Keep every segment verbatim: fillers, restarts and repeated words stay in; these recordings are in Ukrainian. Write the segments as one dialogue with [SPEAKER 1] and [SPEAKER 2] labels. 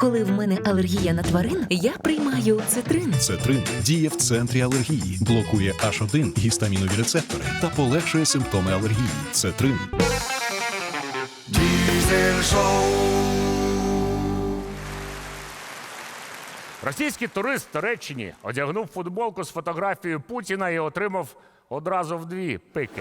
[SPEAKER 1] Коли в мене алергія на тварин, я приймаю цитрин.
[SPEAKER 2] Цетрин діє в центрі алергії, блокує аш один гістамінові рецептори та полегшує симптоми алергії. Цетрин.
[SPEAKER 3] Diesel Show.
[SPEAKER 4] Російський турист в Туреччині одягнув футболку з фотографією Путіна і отримав одразу вдві пики.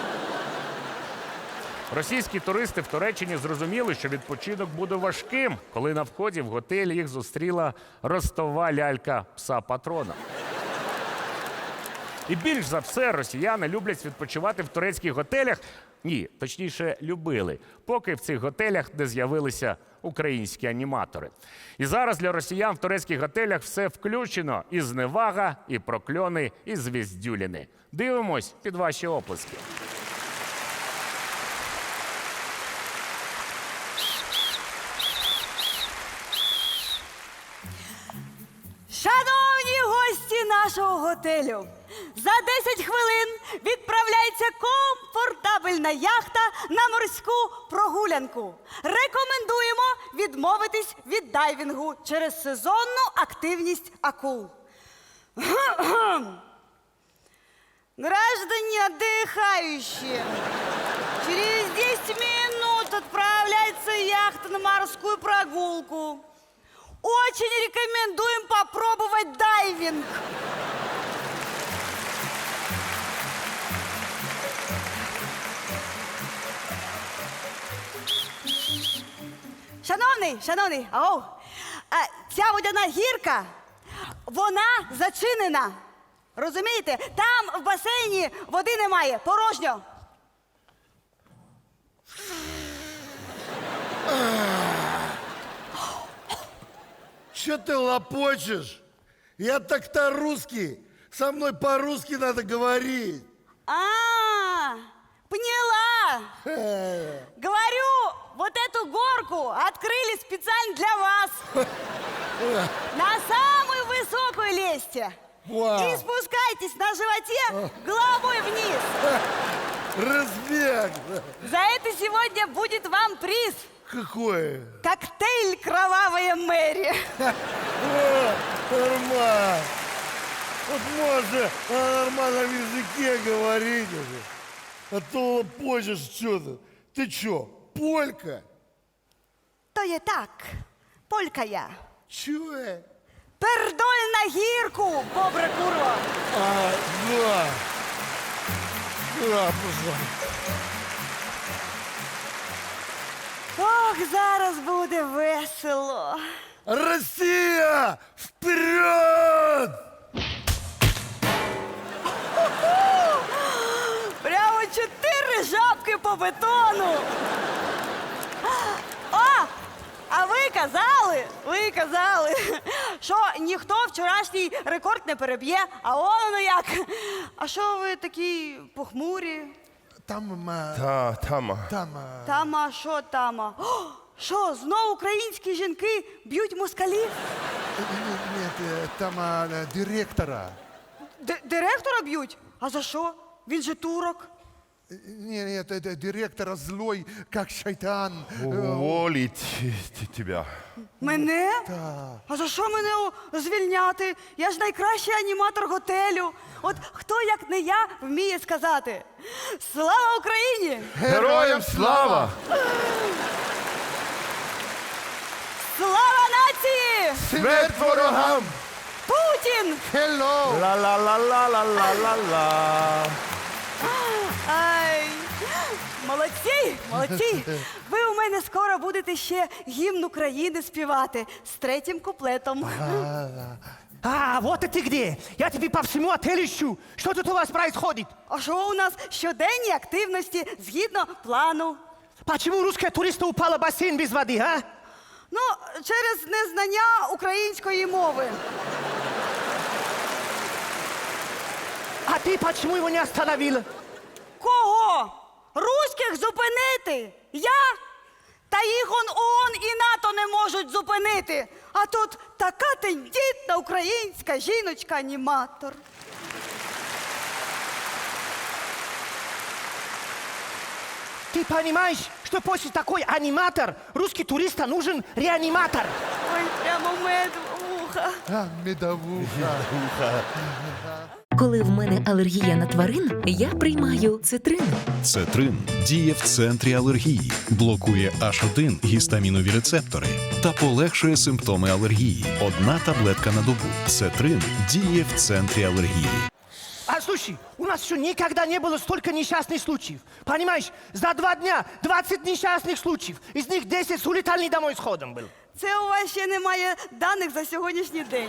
[SPEAKER 4] Російські туристи в Туреччині зрозуміли, що відпочинок буде важким, коли на вході в готель їх зустріла ростова лялька пса-патрона. І більш за все росіяни люблять відпочивати в турецьких готелях, ні, точніше, любили, поки в цих готелях не з'явилися українські аніматори. І зараз для росіян в турецьких готелях все включено: і зневага, і прокльони, і звіздюліни. Дивимось під ваші оплески.
[SPEAKER 5] Шановні гості нашого готелю, за десять хвилин відправляється комфортабельна яхта на морську прогулянку. Рекомендуємо відмовитись від дайвінгу через сезонну активність акул. Граждане отдыхающие, через десять минут отправляется яхта на морскую прогулку. Очень рекомендуем попробовать дайвинг. Шановний, шановний, ау, а, ця водяна гірка, вона зачинена. Розумієте? Там в басейні води немає, порожньо.
[SPEAKER 3] Че ты лопочешь? Я так-то русский. Со мной по-русски надо говорить.
[SPEAKER 5] А, поняла. Говорю, вот эту горку открыли специально для вас. На самую высокую лезьте.
[SPEAKER 3] Вау.
[SPEAKER 5] И спускайтесь на животе головой вниз.
[SPEAKER 3] Разбег.
[SPEAKER 5] За это сегодня будет вам приз.
[SPEAKER 3] Какой?
[SPEAKER 5] Коктейль «Кровавая Мэри».
[SPEAKER 3] О, нормально. Вот можно на нормальном языке говорить уже. А то лопочешь что-то. Ты чё, полька?
[SPEAKER 5] То є так, полька я.
[SPEAKER 3] Чё?
[SPEAKER 5] Пердоль на гірку, бобра курва.
[SPEAKER 3] А, да. Да, пожалуйста.
[SPEAKER 5] Ох, зараз буде весело.
[SPEAKER 3] Россия, вперед!
[SPEAKER 5] Прямо чотири жабки по бетону. О, а ви казали, ви казали, що ніхто вчорашній рекорд не переб'є, а воно як. А що ви такі похмурі?
[SPEAKER 3] Там, а,
[SPEAKER 6] Та, тама.
[SPEAKER 3] там, а,
[SPEAKER 5] Тама, що тама? О, що, знов українські жінки б'ють москалів?
[SPEAKER 3] нет, нет, э, там а, директора.
[SPEAKER 5] Д- директора б'ють? А за що? Він же турок.
[SPEAKER 3] Нет, нет, это директора злой, как шайтан.
[SPEAKER 6] Уволить тебя.
[SPEAKER 5] Мене? А за що мене о, звільняти? Я ж найкращий аніматор готелю. От хто, як не я, вміє сказати: слава Україні!
[SPEAKER 6] Героям слава!
[SPEAKER 5] Слава нації!
[SPEAKER 6] Смерть ворогам!
[SPEAKER 5] Путін!
[SPEAKER 3] Hello!
[SPEAKER 6] Ла-ла-ла-ла-ла-ла-ла.
[SPEAKER 5] Ай! Молодці! Молодці! Ви у мене скоро будете ще гімн України співати з третім куплетом.
[SPEAKER 7] А, вот и ты где! Я тебе по всему отелю ищу! Что тут у вас происходит?
[SPEAKER 5] А що у нас щоденні активності згідно плану?
[SPEAKER 7] Почему русская туриста упала в бассейн без воды, а?
[SPEAKER 5] Ну, через незнання української мови.
[SPEAKER 7] А ты почему его не остановила?
[SPEAKER 5] Кого? Руських зупинити? Я? Та їх он ООН і НАТО не можуть зупинити. А тут така тендітна українська жіночка-аніматор.
[SPEAKER 7] Ты понимаешь, что после такой аниматор русский туриста нужен реаниматор?
[SPEAKER 5] Ой, медовуха.
[SPEAKER 3] А, медовуха.
[SPEAKER 1] Коли в мене алергія на тварин, я приймаю цитрин.
[SPEAKER 2] Цетрин діє в центрі алергії, блокує аш один гістамінові рецептори та полегшує симптоми алергії. Одна таблетка на добу. Цетрин діє в центрі алергії.
[SPEAKER 7] А слушай, у нас еще никогда не было столько несчастных случаев. Понимаешь, за два дня двадцать несчастных случаев. Из них десять с улетальный домой сходом был.
[SPEAKER 5] Це у вас ще немає даних за сьогоднішній день.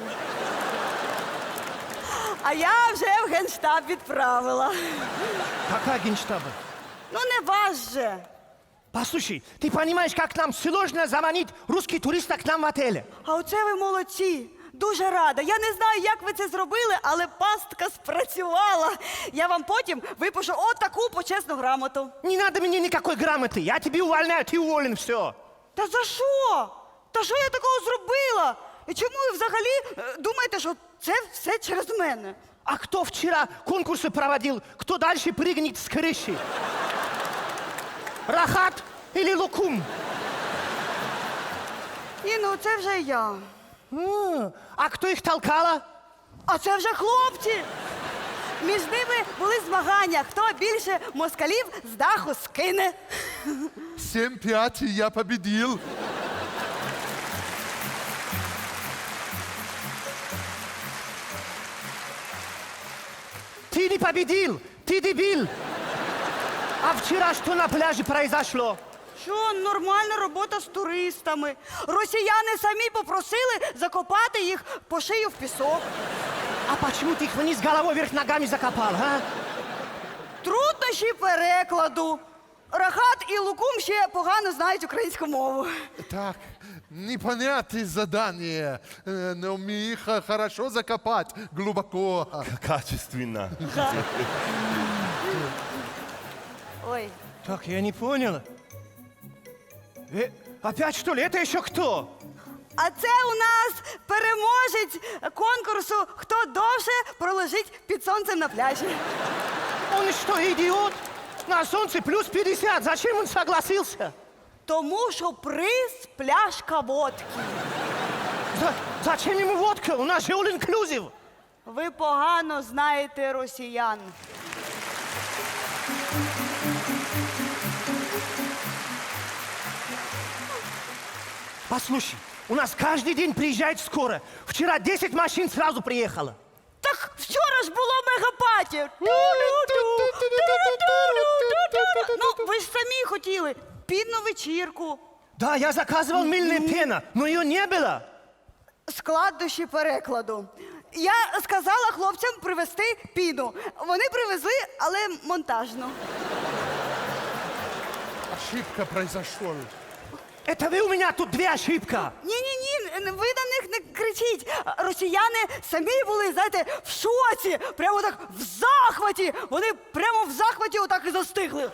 [SPEAKER 5] А я вже в Генштаб відправила.
[SPEAKER 7] Какая генштаба?
[SPEAKER 5] Ну не вас же.
[SPEAKER 7] Послушай, ты понимаешь, как нам сложно заманить русских туристов к нам в отеле?
[SPEAKER 5] А оце ви молодці. Дуже рада. Я не знаю, як ви це зробили, але пастка спрацювала. Я вам потім випишу отаку почесну грамоту.
[SPEAKER 7] Не надо мне никакой грамоты. Я тебе увольняю, ты уволен, все.
[SPEAKER 5] Та за що? Та що я такого зробила? І чому ви взагалі е, думаєте, що це все через мене?
[SPEAKER 7] А кто вчера конкурсы проводил? Кто дальше прыгнет с крыши? Рахат или Лукум?
[SPEAKER 5] Ні, ну це вже я.
[SPEAKER 7] А, а кто их толкала?
[SPEAKER 5] А це вже хлопці. Між ними були змагання, хто більше москалів з даху скине.
[SPEAKER 3] семь пять, я победил.
[SPEAKER 7] Ты не победил, ты дебил. А вчера что на пляже произошло?
[SPEAKER 5] Що, нормальна робота з туристами. Росіяни самі попросили закопати їх по шию в пісок.
[SPEAKER 7] А почему ты их вниз головой вверх ногами закопал, а?
[SPEAKER 5] Труднощі перекладу. Рахат і Лукум ще погано знають українську мову.
[SPEAKER 3] Так, непонятное задание, э, но мне их э, хорошо закопать глубоко.
[SPEAKER 6] Качественно.
[SPEAKER 5] Ой,
[SPEAKER 7] Так, я не понял. Э, опять что ли? Это еще кто?
[SPEAKER 5] а це у нас переможець конкурсу «Хто довше пролежить під сонцем на пляжі».
[SPEAKER 7] Он что, идиот? На солнце плюс пятьдесят. Зачем он согласился?
[SPEAKER 5] Тому що приз пляшка водки.
[SPEAKER 7] За- зачем ему водка? У нас же all inclusive.
[SPEAKER 5] Ви погано знаєте росіян.
[SPEAKER 7] Послушай, у нас каждый день приезжает скоро. Вчера десять машин сразу приехало.
[SPEAKER 5] Так вчора ж було мегапаті. Ну, ви ж самі хотіли підну вечірку.
[SPEAKER 7] Да, я заказывал мыльная пена, но ее не было.
[SPEAKER 5] Складнощі перекладу. Я сказала хлопцям привезти піну. Вони привезли, але монтажну.
[SPEAKER 3] Ошибка произошла.
[SPEAKER 7] Это вы у меня тут две ошибка.
[SPEAKER 5] Ні-ні-ні, ви на них не кричіть. Росіяни самі були, знаєте, в шоці, прямо так в захваті. Вони прямо в захваті отак і застигли.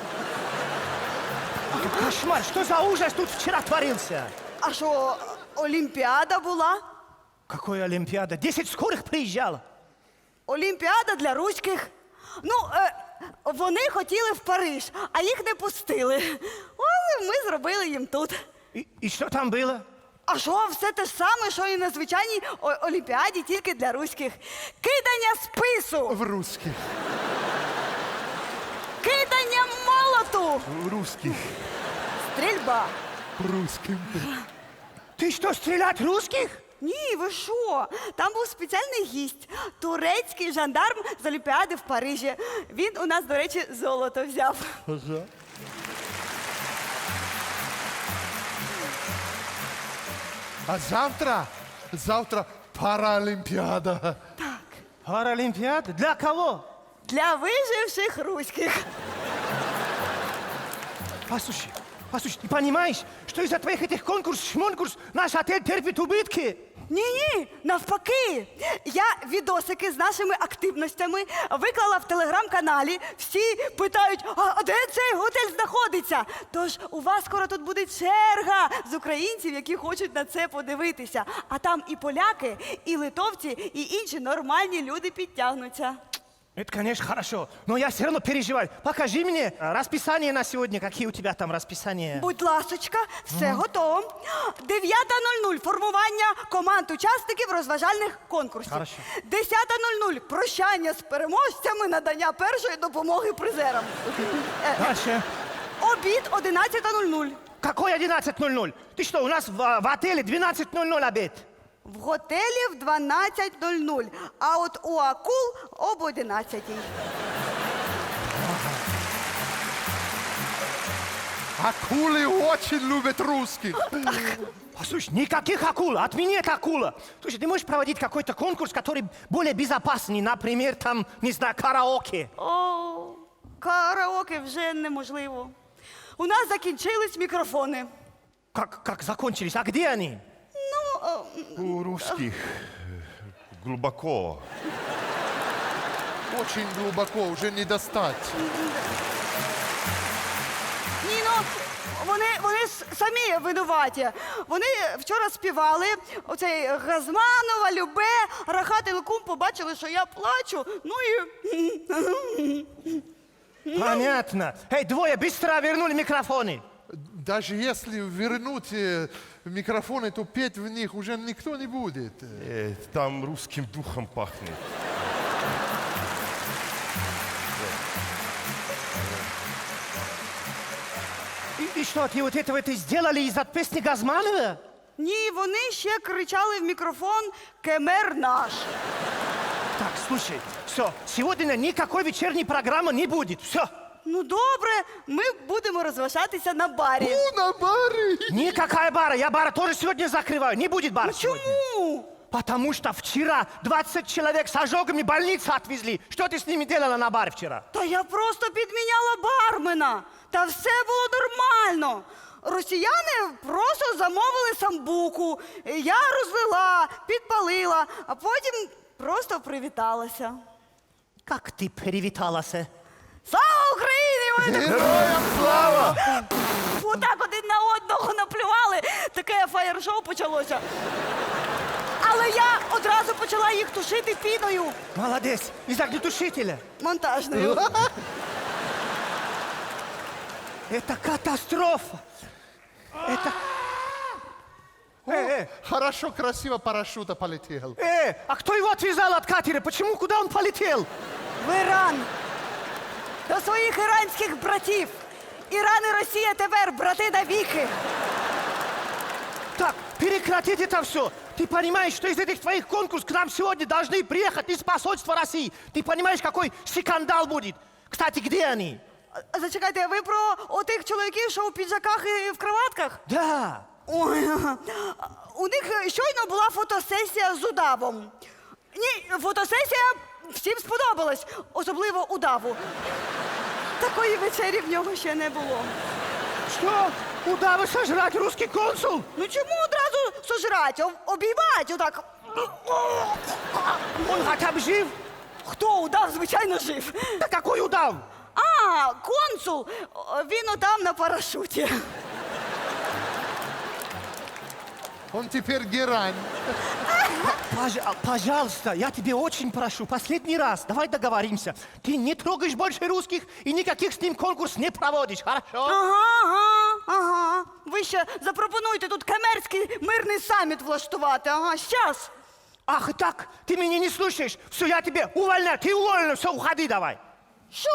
[SPEAKER 7] Кошмар, что за ужас тут вчера творился?
[SPEAKER 5] А що, Олімпіада була?
[SPEAKER 7] Какой Олимпиада? Десять скорых приезжало.
[SPEAKER 5] Олімпіада для руських. Ну, е, вони хотіли в Париж, а їх не пустили. Але ми зробили їм тут.
[SPEAKER 7] И, и что там было?
[SPEAKER 5] А що, все те ж саме, що і на звичайній о- Олімпіаді, тільки для руських. Кидання спису,
[SPEAKER 3] В русских.
[SPEAKER 5] кидання молоту,
[SPEAKER 3] В русских.
[SPEAKER 5] стрільба.
[SPEAKER 3] Русским.
[SPEAKER 7] Ты что, стрелять русских?
[SPEAKER 5] Ні, ви що? Там був спеціальний гість, турецький жандарм з Олімпіади в Парижі. Він у нас, до речі, золото взяв.
[SPEAKER 3] А завтра, завтра Паралимпиада.
[SPEAKER 7] Паралимпиада? Для кого?
[SPEAKER 5] Для виживших руських.
[SPEAKER 7] Послушай, послушай, ты понимаешь, что из-за твоих этих конкурсов, шмонкурс, наш отель терпит убытки?
[SPEAKER 5] Ні-ні, навпаки. Я відосики з нашими активностями виклала в телеграм-каналі. Всі питають, а де цей готель знаходиться? Тож у вас скоро тут буде черга з українців, які хочуть на це подивитися. А там і поляки, і литовці, і інші нормальні люди підтягнуться.
[SPEAKER 7] Это, конечно, хорошо, но я все равно переживаю. Покажи мне а, расписание на сегодня, какие у тебя там расписания.
[SPEAKER 5] Будь ласочка, все готово. дев'ята нуль нуль формування команд учасників розважальних конкурсів.
[SPEAKER 7] Хорошо.
[SPEAKER 5] десята нуль нуль. Прощання з переможцями, надання першої допомоги призерам. Е,
[SPEAKER 7] Дальше.
[SPEAKER 5] Обід одинадцята нуль нуль.
[SPEAKER 7] Какой одиннадцать ноль ноль? Ты что, у нас в, в отеле двенадцать ноль ноль обед.
[SPEAKER 5] В готелі в дванадцять нуль нуль, а от у акул об одинадцятій.
[SPEAKER 3] Акулы очень любят русских.
[SPEAKER 7] Слушай, никаких акул, отмени это акула. Слушай, ты можешь проводить какой-то конкурс, который более безопасный, например, там, не знаю, караоке.
[SPEAKER 5] О, караоке вже неможливо. У нас закінчились мікрофони.
[SPEAKER 7] Как, как закончились? А где они?
[SPEAKER 5] Ну, о,
[SPEAKER 6] У русских э, глубоко.
[SPEAKER 3] Очень глубоко, уже не достать.
[SPEAKER 5] ні, ну, вони, вони с- самі винуваті. Вони вчора співали оцей Газманова, Любе, Рахат і Лукум побачили, що я плачу, ну і...
[SPEAKER 7] Понятно. Эй, двое, быстро вернули микрофоны.
[SPEAKER 3] Даже если вернуть э, микрофоны, то петь в них уже никто не будет.
[SPEAKER 6] Э, там русским духом пахнет.
[SPEAKER 7] И, и что, ты вот этого ты сделали из-за песни Газманова?
[SPEAKER 5] Ні, вони ще кричали в мікрофон «Кемер наш».
[SPEAKER 7] Так, слушай, все, сегодня никакой вечерней программы не будет. Все.
[SPEAKER 5] Ну добре, ми будемо розважатися на барі.
[SPEAKER 3] Ну, на баре.
[SPEAKER 7] Никакая бара. Я бара тоже сегодня закрываю. Не будет бара сегодня.
[SPEAKER 5] Чому?
[SPEAKER 7] Потому что вчера двадцать человек с ожогами в больницу отвезли. Что ты с ними делала на баре вчера?
[SPEAKER 5] Та я просто підміняла бармена. Та все було нормально. Росіяни просто замовили самбуку. Я розлила, підпалила, а потім просто привіталася.
[SPEAKER 7] Как ты привіталась?
[SPEAKER 5] Слава Україні! Вони так
[SPEAKER 3] Героям слава!
[SPEAKER 5] отак один на одного наплювали. Таке фаєр-шоу почалося. Але я одразу почала їх тушити піною
[SPEAKER 7] Молодец. Из огнетушителя.
[SPEAKER 5] монтажною.
[SPEAKER 7] Это катастрофа. Это... Э, э,
[SPEAKER 3] Хорошо, красиво парашюта полетел.
[SPEAKER 7] э, а кто его отвязал от катера? Почему? Куда он полетел?
[SPEAKER 5] В Іран. До своїх іранських братів. Іран і Росія тепер брати навіки.
[SPEAKER 7] Так, прекратить это все. Ты понимаешь, что из этих твоих конкурсов к нам сегодня должны приехать из посольства России? Ты понимаешь, какой скандал будет? Кстати, где они?
[SPEAKER 5] А, Зачекайте, а ви про отих чоловіків, що у піджаках і в кроватках?
[SPEAKER 7] Да.
[SPEAKER 5] Ой, у них щойно була фотосесія з удавом. Ні, фотосесія всім сподобалась, особливо удаву. Такої вечері в нього ще не було.
[SPEAKER 7] Что? Удавы сожрать русский консул?
[SPEAKER 5] Ну чому одразу сожрать, об- обіймать отак?
[SPEAKER 7] Он хотя бы жив?
[SPEAKER 5] Хто удав, звичайно, жив.
[SPEAKER 7] Да какой удав?
[SPEAKER 5] А, консул, О, він отам на парашуті.
[SPEAKER 3] Он теперь герань.
[SPEAKER 7] Пож- а, пожалуйста, я тебе очень прошу, последний раз, давай договоримся. Ты не трогаешь больше русских и никаких с ним конкурс не проводишь, хорошо?
[SPEAKER 5] Ага, ага, ага. Ви ще запропонуйте тут кемерський мирний саміт влаштувати. Ага, щас.
[SPEAKER 7] Ах, и так, ты меня не слушаешь. Все, я тебе увольняю, ты уволена, все, уходи давай.
[SPEAKER 5] Що?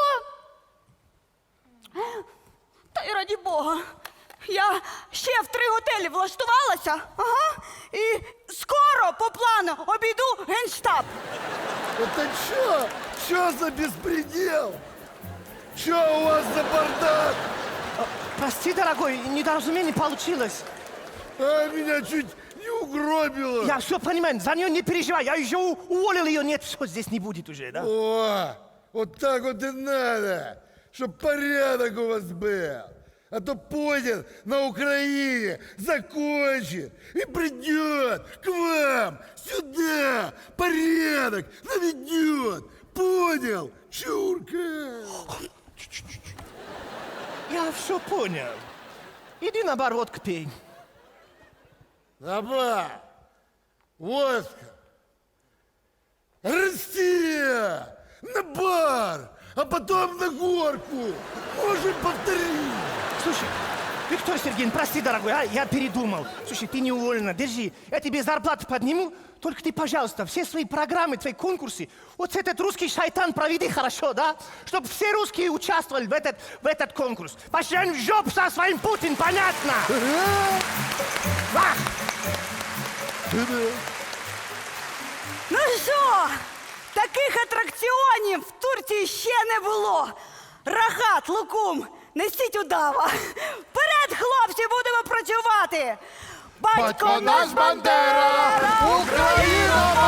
[SPEAKER 5] Та й раді Бога. Я ще в три готелі влаштувалася, ага, і скоро по плану обійду Генштаб.
[SPEAKER 6] Это что? Что за беспредел? Что у вас за бардак?
[SPEAKER 7] Прости, дорогой, недоразумение получилось.
[SPEAKER 6] А меня чуть не угробило.
[SPEAKER 7] Я все понимаю, за нее не переживай, я еще у- уволил ее, нет, все, здесь не будет уже, да?
[SPEAKER 8] О, вот так вот и надо, чтоб порядок у вас был. А то пойдет на Украине, закончит и придет к вам сюда, порядок наведет. Понял, чурка?
[SPEAKER 7] Я все понял. Иди на бар водку пей.
[SPEAKER 8] На бар, водка, Россия, на бар, а потом на горку. Можем повторить.
[SPEAKER 7] Слушай, Виктор Сергеевич, прости, дорогой, а, я передумал. Слушай, ты не уволена, держи. Я тебе зарплату подниму, только ты, пожалуйста, все свои программы, твои конкурсы, вот этот русский шайтан проведи хорошо, да? Чтобы все русские участвовали в этот, в этот конкурс. Пошли в жопу со своим Путин, понятно? Вах!
[SPEAKER 5] Ну що, таких атракціонів в Турції ще не було. Рахат, лукум, несіть удава. Вперед, хлопці, будемо працювати.
[SPEAKER 3] Батько наш Бандера, Україна